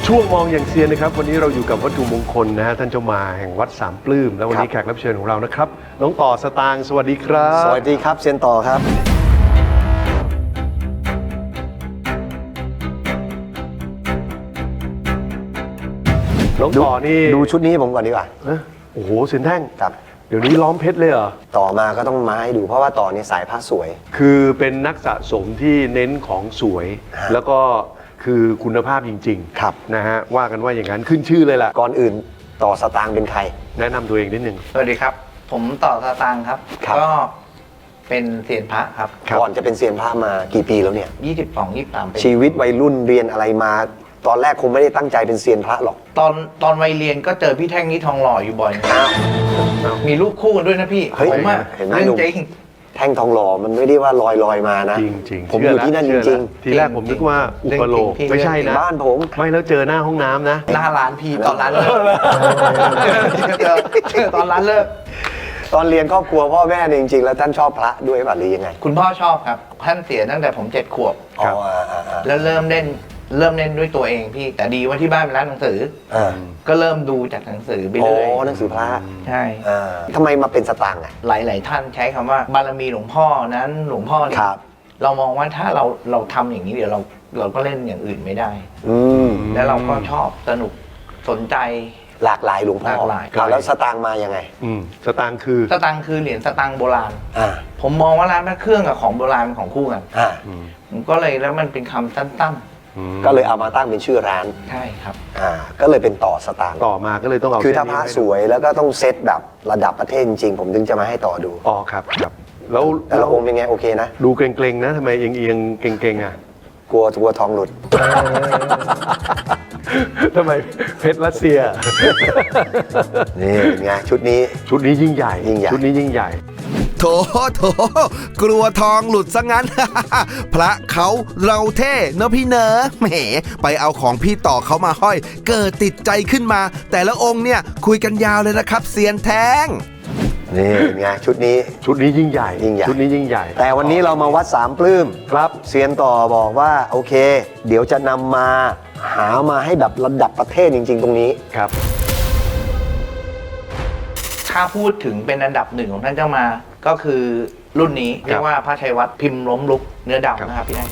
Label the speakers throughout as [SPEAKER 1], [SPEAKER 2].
[SPEAKER 1] ช่วงมองอย่างเซียนนะครับวันนี้เราอยู่กับวัตถุมงคลนะฮะท่านเจ้ามาแห่งวัดสามปลื้มและวันนี้แขกรับเชิญของเรานะครับน้องต่อสตางค์สวัสดีครับ
[SPEAKER 2] สวัสดีครับเซียนต่อครับ
[SPEAKER 1] น้องต่อนี่
[SPEAKER 2] ดูชุดนี้ผมก่อนดีกว่า
[SPEAKER 1] โอ้โหเซียนแท่ง
[SPEAKER 2] ครับ
[SPEAKER 1] เดี๋ยวนี้ล้อมเพชรเลยเหรอ
[SPEAKER 2] ต่อมาก็ต้องมาให้ดูเพราะว่าต่อเนี่ยสายผ้าสวย
[SPEAKER 1] คือเป็นนักสะสมที่เน้นของสวยแล้วก็คือคุณภาพจริงๆ
[SPEAKER 2] ครับ
[SPEAKER 1] นะฮะว่ากันว่าอย่างนั้นขึ้นชื่อเลยล่ะ
[SPEAKER 2] ก่อนอื่นต่อสตางค์เป็นใคร
[SPEAKER 1] แนะนำตัวเองนิดนึง
[SPEAKER 3] สวัสดีครับผมต่อสตางค์ครับก็เป็นเซียนพระครับ
[SPEAKER 2] ก่อนจะเป็นเซียนพระมากี่ปีแล้วเนี่ย
[SPEAKER 3] 22-23 ปี
[SPEAKER 2] ชีวิตวัยรุ่นเรียนอะไรมาตอนแรกคงไม่ได้ตั้งใจเป็นเซียนพระหรอก
[SPEAKER 3] ตอนวัยเรียนก็เจอพี่แท่งนี้ทองหล่ออยู่บ่อยมีรูปคู่กันด้วยนะพี่ผมว่าเรื่องจริง
[SPEAKER 2] แท่งทองหล่อมันไม่ได้ว่าลอยมานะ
[SPEAKER 1] จริงๆ
[SPEAKER 2] ผมอยู่ที่นั่นจริง
[SPEAKER 1] ๆทีแรกผมนึกว่าอุปโลกไม่ใช่นะ
[SPEAKER 2] บ้านผม
[SPEAKER 1] ไม่แล้วเจอหน้าห้องน้ำนะ
[SPEAKER 3] หน้าร้านพี่ตอนร้านเลิกเจอตอนร้านเลิก
[SPEAKER 2] ตอนเรียนครอบครัวพ่อแม่เนี่ยจริงๆแล้วท่านชอบพระด้วยป่ะหรือยังไง
[SPEAKER 3] คุณพ่อชอบครับท่านเสียตั้งแต่ผม7 ขวบแล้วเริ่มเล่นด้วยตัวเองพี่แต่ดีว่าที่บ้านเป็นร้านหนังสือก็เริ่มดูจากหนังสือไปเรื่อย
[SPEAKER 2] หนังสือพระ
[SPEAKER 3] ใช่
[SPEAKER 2] ทำไมมาเป็นสตางค์อ่ะ
[SPEAKER 3] หลายท่านใช้คำว่าบารมีหลวงพ่อนั้นหลวงพ่อเนี่ยเรามองว่าถ้าเราทำอย่างนี้เดี๋ยวเราก็เล่นอย่างอื่นไม่ได้แล้วเราก็ชอบสนุกสนใจ
[SPEAKER 2] หลากหลายหลวงพ่อแล้วสตางค์มายังไง
[SPEAKER 1] สตางค์คือ
[SPEAKER 3] เหรียญสตางค์โบราณผมมองว่าร้านพระเครื่องกับของโบราณเป็นของคู่กันผมก็เลยแล้วมันเป็นคำสั้น
[SPEAKER 2] ก็เลยเอามาตั้งเป็นชื่อร้าน
[SPEAKER 3] ใช่ครับ
[SPEAKER 2] ก็เลยเป็นต่อสตางค์
[SPEAKER 1] ต่อมาก็เลยต้องเอา
[SPEAKER 2] คือถ้าพระสวยแล้วก็ต้องเซตแบบระดับประเทศจริงผมถึงจะมาให้ต่อดู
[SPEAKER 1] อ๋อครับแล้ว
[SPEAKER 2] แต่ละองค์เป็นไงโอเคนะ
[SPEAKER 1] ดูเกรงๆนะทำไมเอียงเกรงๆอ่ะ
[SPEAKER 2] กลัวทองหลุด
[SPEAKER 1] ทำไมเพชรรัสเซีย
[SPEAKER 2] นี่ไงชุดนี้
[SPEAKER 1] ยิ่งใหญ่ชุดนี้ยิ่งใหญ่
[SPEAKER 4] โถกลัวทองหลุดซะงั้น พระเขาเราเท่เนอะพี่เนอะแหมไปเอาของพี่ต่อเขามาห้อยเกิดติดใจขึ้นมาแต่ละองค์เนี่ยคุยกันยาวเลยนะครับเซียนแท้ง
[SPEAKER 2] นี่ไงชุดนี้
[SPEAKER 1] ยิ่งใหญ่ชุดนี้ยิ่งใหญ่
[SPEAKER 2] แต่วันนี้เรามาวัดสามปลื้มครับเซียนต่อบอกว่าโอเคเดี๋ยวจะนำมาหามาให้แบบระดับประเทศจริงๆตรงนี้
[SPEAKER 1] ครับ
[SPEAKER 3] ถ้าพูดถึงเป็นอันดับหนึ่งของท่านเจ้ามาก็คือรุ่นนี้เรียกว่าพระชัยวัฒน์พิมพ์ล้มลุกเนื้อดำนะครับพี่แท่ง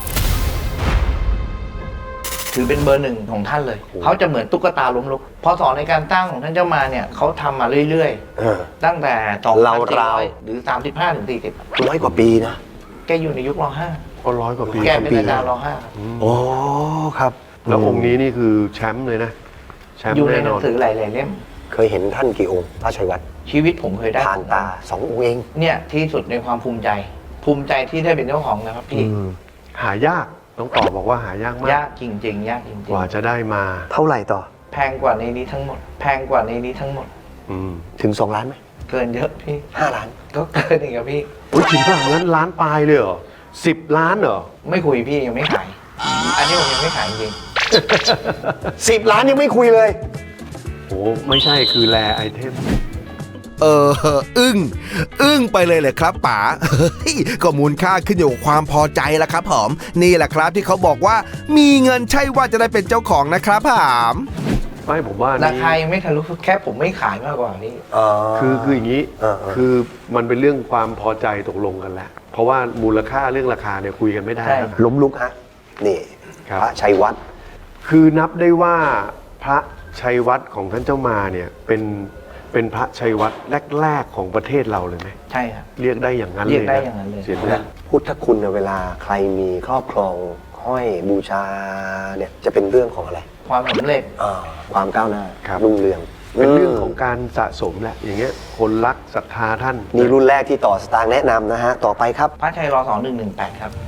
[SPEAKER 3] ถือเป็นเบอร์ 1ของท่านเลยเขาจะเหมือนตุ๊กตาล้มลุกพอสอนในการตั้งของท่านเจ้ามาเนี่ยเขาทำมาเรื่อยๆตั้งแต่2,400หรือ35ถึง40
[SPEAKER 2] 100 กว่าปีนะ
[SPEAKER 3] แกอยู่ในยุคร.5
[SPEAKER 1] ก็100 กว่าปี
[SPEAKER 3] แกเป็นอาจารย์ร
[SPEAKER 2] .5โอ้ครับ
[SPEAKER 1] แล้วองค์นี้นี่คือแชมป์เลยนะแชมป์
[SPEAKER 3] อยู่ในหนังสือหลายๆเล่ม
[SPEAKER 2] เคยเห็นท่านกี่องค์พระชัยวัฒน์
[SPEAKER 3] ชีวิตผมเคยได้
[SPEAKER 2] ผ่านตา2 องค์เอง
[SPEAKER 3] เนี่ยที่สุดในความภูมิใจที่ได้เป็นเจ้าของนะครับพี่
[SPEAKER 1] หายากต้องตอบบอกว่าหายากมาก
[SPEAKER 3] ยากจริงๆยากจริงๆ
[SPEAKER 1] กว่าจะได้มา
[SPEAKER 2] เท่าไหร่ต่อ
[SPEAKER 3] แพงกว่าในนี้ทั้งหมด
[SPEAKER 2] ถึง2 ล้านไหม
[SPEAKER 3] เกินเยอะพี่
[SPEAKER 2] 5 ล้าน
[SPEAKER 3] ก็เกินอีกครับพี่
[SPEAKER 1] จริงป่ะงั้นล้านปลายเลยเหรอ10 ล้านเหรอ
[SPEAKER 3] ไม่คุยพี่ยังไม่ขายอันนี้ผมยังไม่ขายจริง
[SPEAKER 2] 10 ล้านยังไม่คุยเลย
[SPEAKER 1] โอ้ไม่ใช่คือแรไอเทม
[SPEAKER 4] อึ้งไปเลยครับป๋าก็มูลค่าขึ้นอยู่กับความพอใจละครับผมนี่แหละครับที่เขาบอกว่ามีเงินใช่ว่าจะได้เป็นเจ้าของนะครับผม
[SPEAKER 1] ไม่ผมว่า
[SPEAKER 3] ราคายังไม่ทะลุแค่ผมไม่ขายมากกว่านี้
[SPEAKER 1] คืออย่างนี้คือมันเป็นเรื่องความพอใจตกลงกันแหละเพราะว่ามูลค่าเรื่องราคาเนี่ยคุยกันไม่ได้
[SPEAKER 2] ล้มลุกฮะนี่พระชัยวัฒน์
[SPEAKER 1] คือนับได้ว่าพระชัยวัฒน์ของท่านเจ้ามาเนี่ยเป็นพระชัยวัฒน์แรกๆของประเทศเราเลยไหม
[SPEAKER 3] ใช่ครับ
[SPEAKER 1] เรียกได้อย่างนั้นเลย
[SPEAKER 3] เรียกได้อย่างนั้นเลย
[SPEAKER 1] เสีย
[SPEAKER 2] แล้วพุทธคุณเวลาใครมีครอบครองห้อยบูชาเนี่ยจะเป็นเรื่องของอะไร
[SPEAKER 3] ความสำเร็จ
[SPEAKER 2] ความก้าวหน้ารุ่งเรือง
[SPEAKER 1] เป็นเรื่องของการสะสมแหละอย่างเงี้ยคนรักศรัทธาท่าน
[SPEAKER 2] นี่รุ่นแรกที่ต่อสตางค์แนะนำนะฮะต่อไปครับ
[SPEAKER 3] พระชัยร.2118ครับ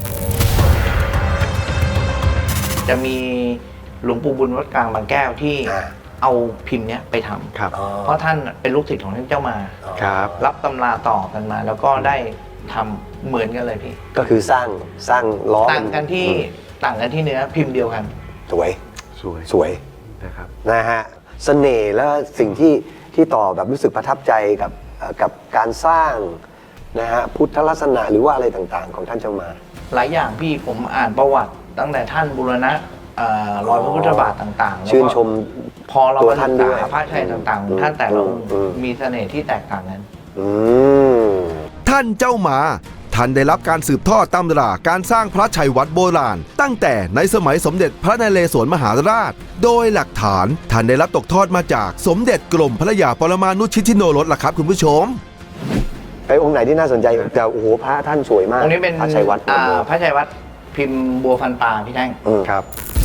[SPEAKER 3] จะมีหลวงปู่บุญวัดกลางบางแก้วที่เอาพิมพ์เนี้ยไปทำเพราะท่านเป็นลูกศิษย์ของท่านเจ้ามารับตำราต่อกันมาแล้วก็ได้ทำเหมือนกันเลยพี่
[SPEAKER 2] ก็คือสร้างล้อ
[SPEAKER 3] ต่างกันที่เนื้อพิมพ์เดียวกัน
[SPEAKER 2] สวย
[SPEAKER 1] นะครับ
[SPEAKER 2] นะฮะเสน่ห์และสิ่งที่ต่อแบบรู้สึกประทับใจกับการสร้างนะฮะพุทธลักษณะหรือว่าอะไรต่างๆของท่านเจ้ามา
[SPEAKER 3] หลายอย่างพี่ผมอ่านประวัติตั้งแต่ท่านบูรณะรอยพระพุทธบาทต่างๆแล้วก็
[SPEAKER 2] ชื่นชม
[SPEAKER 3] พอเรา
[SPEAKER 2] ตัว
[SPEAKER 3] มา
[SPEAKER 2] ท่าน
[SPEAKER 3] ศึก
[SPEAKER 2] ด้วย
[SPEAKER 3] ษาพระชัยต่างๆของท่านแต่ละ
[SPEAKER 2] อืม
[SPEAKER 3] มีเสน่ห์ที่แตกต่างกัน
[SPEAKER 2] อืม
[SPEAKER 4] ท่านเจ้ามาท่านได้รับการสืบทอดตำราการสร้างพระชัยวัดโบราณ ตั้งแต่ในสมัยสมเด็จพระนเรศวรมหาราช โดยหลักฐานท่านได้รับตกทอดมาจากสมเด็จกรมพระยาปรมาณุชิติโนรสล่ะครับคุณผู้ชม
[SPEAKER 2] ไปองค์ไหนที่น่าสนใจแต่โอ้โหพระท่านสวยมาก
[SPEAKER 3] ตรงนี้เป็น
[SPEAKER 2] พระชัยวัด
[SPEAKER 3] พระชัยวัดพิมพ์บัวฟันปลาพี่แท่ง
[SPEAKER 1] ครับ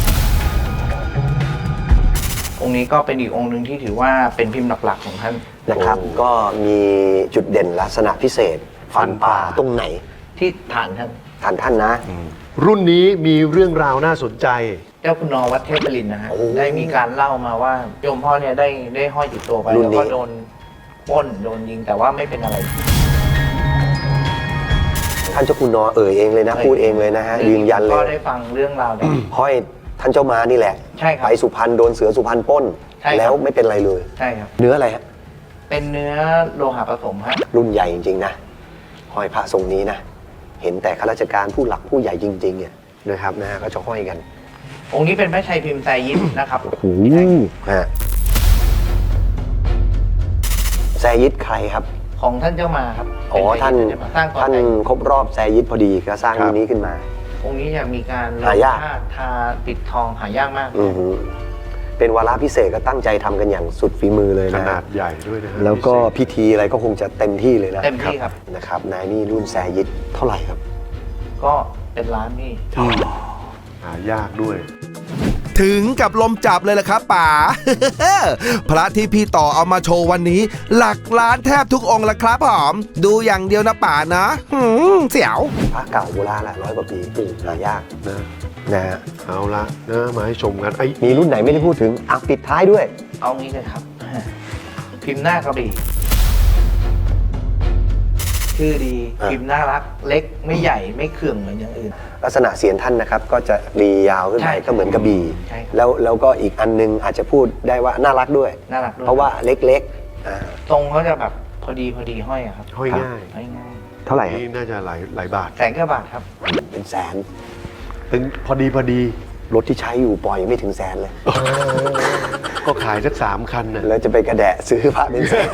[SPEAKER 3] องค์นี้ก็เป็นอีกองค์หนึ่งที่ถือว่าเป็นพิมพ์หลักๆของท่าน
[SPEAKER 2] นะครับ ก็มีจุดเด่นลักษณะพิเศษฟันป่าตรงไหน
[SPEAKER 3] ที่ฐานท่าน
[SPEAKER 2] ท่านนะ
[SPEAKER 1] รุ่นนี้มีเรื่องราวน่าสนใจ
[SPEAKER 3] เจ้าคุณนอวัดเทพบรินทร์นะฮะ
[SPEAKER 2] โอ้
[SPEAKER 3] ได้มีการเล่ามาว่าโยมพ่อเนี่ยได้ห้อยติดตัวไป
[SPEAKER 2] รุ่น
[SPEAKER 3] แล้ว
[SPEAKER 2] นี้
[SPEAKER 3] ก็โดนปล้นโดนยิงแต่ว่าไม่เป็นอะไร
[SPEAKER 2] ท่านเจ้าคุณนอเอ่ยเองเลยนะ พูดเองเลยนะฮะยืนยันเล
[SPEAKER 3] ก็
[SPEAKER 2] ย
[SPEAKER 3] ได้ฟังเรื่องราวเนี่ย
[SPEAKER 2] ห้อยท่านเจ้ามานี่แหละ
[SPEAKER 3] ใช่ครับ
[SPEAKER 2] ไปสุพรรณโดนเสือสุพรรณปล้น
[SPEAKER 3] ใช่ครับ
[SPEAKER 2] แล้วไม่เป็นไรเลย
[SPEAKER 3] ใช่ครับ
[SPEAKER 2] เนื้ออะไรฮะ
[SPEAKER 3] เป็นเนื้อโลหะผสมฮะ
[SPEAKER 2] รุ่นใหญ่จริงๆนะห้อยพระทรงนี้นะ เห็นแต่ข้าราชการผู้หลักผู้ใหญ่จริงๆเนี่ยนะครับนะฮะก็จะห้อยกัน
[SPEAKER 3] องค์นี้เป็นพระชัยพิมพ์ไซยิปนะครับ
[SPEAKER 2] ฮะแซยิดใครครับ
[SPEAKER 3] ของท่านเจ้ามาครับ
[SPEAKER 2] อ๋อ
[SPEAKER 3] เป็
[SPEAKER 2] ท่าน
[SPEAKER 3] ไซยิปสร้างตอน
[SPEAKER 2] ท่าน
[SPEAKER 3] ไหน
[SPEAKER 2] ครบรอบแซยิดพอดีก็สร้าง
[SPEAKER 1] ครับ
[SPEAKER 2] รุ่นนี้ขึ้นมา
[SPEAKER 3] องค์นี้จะมีการลง
[SPEAKER 2] หายาก
[SPEAKER 3] ธาตุทาปิดทองหายากมาก
[SPEAKER 2] อือหือเป็นวาระพิเศษก็ตั้งใจทำกันอย่างสุดฝีมือเลย
[SPEAKER 1] ข
[SPEAKER 2] นะ
[SPEAKER 1] นาดใหญ่ด้วยนะฮะ
[SPEAKER 2] แล้วก็
[SPEAKER 1] พิเศษ
[SPEAKER 2] พิธีอะไรก็คงจะเต็มที่เลยนะ
[SPEAKER 3] เต็มที่ครับ
[SPEAKER 2] นะครับนายนี่รุ่นแซยิดเท่าไหร่ครับ
[SPEAKER 3] ก็เป็นร้านนี่
[SPEAKER 1] หายากด้วย
[SPEAKER 4] ถึงกับลมจับเลยล่ะครับป๋า พระที่พี่ต่อเอามาโชว์วันนี้ หลักล้านแทบทุกองค์ละครับผมดูอย่างเดียวนะป๋านะเสียว
[SPEAKER 2] พระเก่าโบราณแหละ100 กว่าปีหายาก
[SPEAKER 1] นะ
[SPEAKER 2] นะฮะ
[SPEAKER 1] เอาละนะมาให้ชมกันไอ้
[SPEAKER 2] มีรุ่นไหนไม่ได้พูดถึงอ่ะปิดท้ายด้วย
[SPEAKER 3] เอางี้เลยครับ พิมพ์หน้ากระบี่ชื่อดี
[SPEAKER 2] อ่ะ
[SPEAKER 3] พิมพ์น่ารักเล็กไม่ใหญ่ไม่เขื่องเหมือนอย่างอื่น
[SPEAKER 2] ลักษณะเสียงท่านนะครับ ก็จะรียาวขึ้น
[SPEAKER 3] ใช่
[SPEAKER 2] ไปก็เหมือนกระบี่
[SPEAKER 3] ใช่ครับ
[SPEAKER 2] แล้วก็อีกอันนึงอาจจะพูดได้ว่าน่ารักด้วย
[SPEAKER 3] น่ารักด้วย
[SPEAKER 2] เพราะว่าเล็กๆอ่า
[SPEAKER 3] ทรงเขาจะแบบพอดีห้อยอะครับ
[SPEAKER 1] ห้อยง่าย
[SPEAKER 3] ห้อยง่าย
[SPEAKER 2] เท่าไหร่ฮะ
[SPEAKER 1] นี่น่าจะหลายบาท
[SPEAKER 3] แสนกว่าบาทครับ
[SPEAKER 2] เป็นแสน
[SPEAKER 1] ถึงพอดี
[SPEAKER 2] รถที่ใช้อยู่ปล่อยไม่ถึงแสนเลย
[SPEAKER 1] ก็ขายสัก3 คันน่ะ
[SPEAKER 2] แล้วจะไปกระแดะซื้อพระเป็นแสน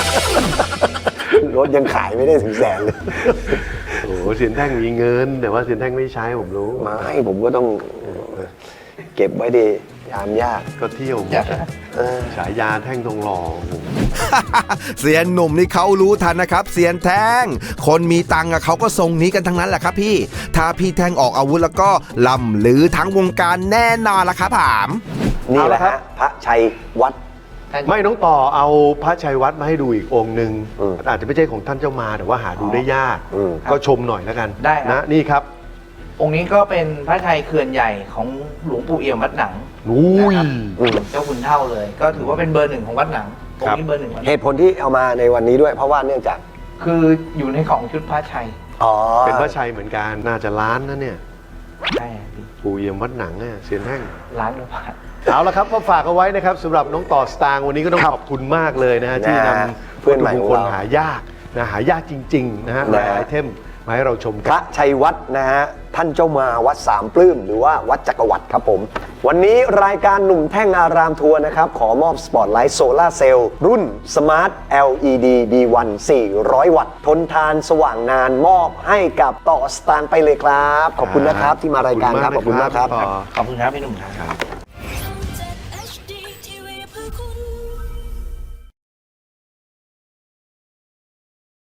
[SPEAKER 2] รถยังขายไม่ได้ถึงแสนเลย
[SPEAKER 1] โอ้โหเสียนแท่งมีเงิน แต่ว่าเสียนแท่งไม่ใช้ผมรู้
[SPEAKER 2] มาให้ผมก็ต้องเก็บไว้ดียามยาก
[SPEAKER 1] ก็เที่ยว
[SPEAKER 3] อยาก
[SPEAKER 2] เออ
[SPEAKER 1] ฉายาแท่งทองหล่อโอ้โห
[SPEAKER 4] เสียนหนุ่มนี่เขารู้ทันนะครับ เสียนแท่งคนมีตังค์อะเขาก็ทรงนี้กันทั้งนั้นแหละครับพี่ ถ้าพี่แท่งออกอาวุธแล้วก็ล่ำหรือทั้งวงการแน่นอนละครับผม
[SPEAKER 2] นี่แหละ
[SPEAKER 1] เอาละครั
[SPEAKER 2] ฮะ
[SPEAKER 1] บ
[SPEAKER 2] พระชัยวัด
[SPEAKER 1] ไม่น้องต่อเอาพระชัยวัดมาให้ดูอีกองค์หนึ่ง
[SPEAKER 2] อืม
[SPEAKER 1] อาจจะไม่ใช่ของท่านเจ้ามาแต่ว่าหาดูได้ยาก
[SPEAKER 2] อืม
[SPEAKER 1] ก็ชมหน่อยแล้วกัน
[SPEAKER 3] ได้ครับ
[SPEAKER 1] นะนี่ครับ
[SPEAKER 3] องค์นี้ก็เป็นพระชัยเขื่อนใหญ่ของหลวงปู่เอี่ยมวัดหนัง
[SPEAKER 1] อุ้ย
[SPEAKER 3] นะครับเจ้าคุณเท่าเลย ก็ถือว่าเป็นเบอร์หนึ่งของวัดหนังองค์นี้เบอร์หนึ่งวัดห
[SPEAKER 2] เห
[SPEAKER 3] นัง
[SPEAKER 2] ตุผลที่เอามาในวันนี้ด้วย เพราะว่าเนื่องจาก
[SPEAKER 3] คืออยู่ในของชุดพระชัย
[SPEAKER 2] อ๋อ
[SPEAKER 1] เป็นพระชัยเหมือนกันน่าจะล้านนะเนี่ย
[SPEAKER 3] ใช่ครับพี่
[SPEAKER 1] ปู่เยี่ยมวัดหนังเนี่ยเสียนแท่ง
[SPEAKER 3] ร้านกว่าบาท
[SPEAKER 1] เอาละครับก็ฝากเอาไว้นะครับสำหรับน้องต่อสตางค์วันนี้ก็ต้องขอบคุณมากเลยนะฮะที่นำ
[SPEAKER 2] เพื่อนใหม่
[SPEAKER 1] วัตถุ
[SPEAKER 2] ของ
[SPEAKER 1] มงคล
[SPEAKER 2] เรา
[SPEAKER 1] หายากนะหายากจริงๆนะฮะห
[SPEAKER 2] นะฮะ
[SPEAKER 1] ลายไอเทมมาให้เราชม
[SPEAKER 2] พ
[SPEAKER 1] กัน
[SPEAKER 2] ระชัยวัดนะฮะท่านเจ้ามาวัดสามปลื้มหรือว่าวัดจักรวรรดิครับผม วันนี้รายการหนุ่มแท่งอารามทัวร์นะครับ ขอมอบสปอตไลท์โซลาร์เซลล์รุ่น Smart LED B1 400 วัตต์ ทนทานสว่างนานมอบให้กับต่อสตางค์ไปเลยครับ ขอบคุณนะครับที่มารายการครับ ขอบคุณมากครับ
[SPEAKER 1] ต่อ
[SPEAKER 3] ขอบคุณครับพี่หนุ่มครับ
[SPEAKER 1] ครับ